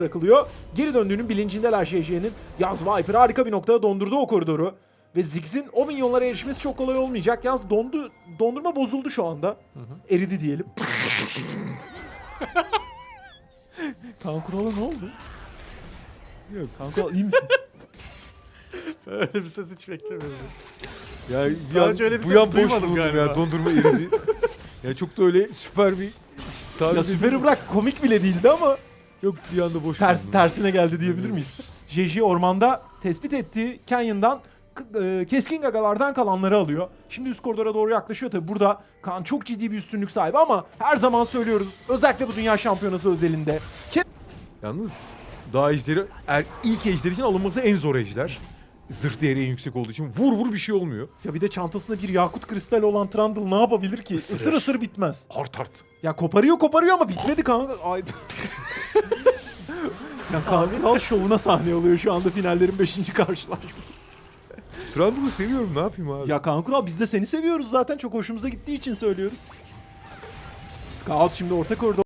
bırakılıyor. Geri döndüğünün bilincindeler JJ'nin. Yalnız Viper harika bir noktada dondurdu o koridoru. Ve Ziggs'in o minyonlara erişmesi çok kolay olmayacak. Yalnız dondurma bozuldu şu anda. Eridi diyelim. Kaan Kural'a ne oldu? Yok, Kaan Kural iyi misin? Öyle bir ses hiç beklemiyordum. Ya Daha önce öyle bir bu ses yan boş duymadım buldum galiba. ya, dondurma eridi. Ya çok da öyle süper bir tabir Ya süperi bırak, komik bile değildi ama Yok, bir anda boş buldum. tersine geldi diyebilir miyiz? JJ ormanda tespit ettiği Canyon'dan keskin gagalardan kalanları alıyor. Şimdi üst koridora doğru yaklaşıyor. Tabi burada Kaan çok ciddi bir üstünlük sahibi ama her zaman söylüyoruz, özellikle bu dünya şampiyonası özelinde. Yalnız daha ejderi, ilk ejder için alınması en zor ejder. Zırh değeri en yüksek olduğu için vur bir şey olmuyor. Ya bir de çantasında bir yakut kristali olan Trundle ne yapabilir ki? Isırır. Isır bitmez. Hart. Ya koparıyor ama bitmedi kanka. Ay. Ya Kaan Kural şovuna sahne oluyor şu anda finallerin 5. karşılaşması. Trundle'ı seviyorum, ne yapayım abi? Ya Kaan Kural, biz de seni seviyoruz zaten, çok hoşumuza gittiği için söylüyoruz. Scout şimdi orta koridor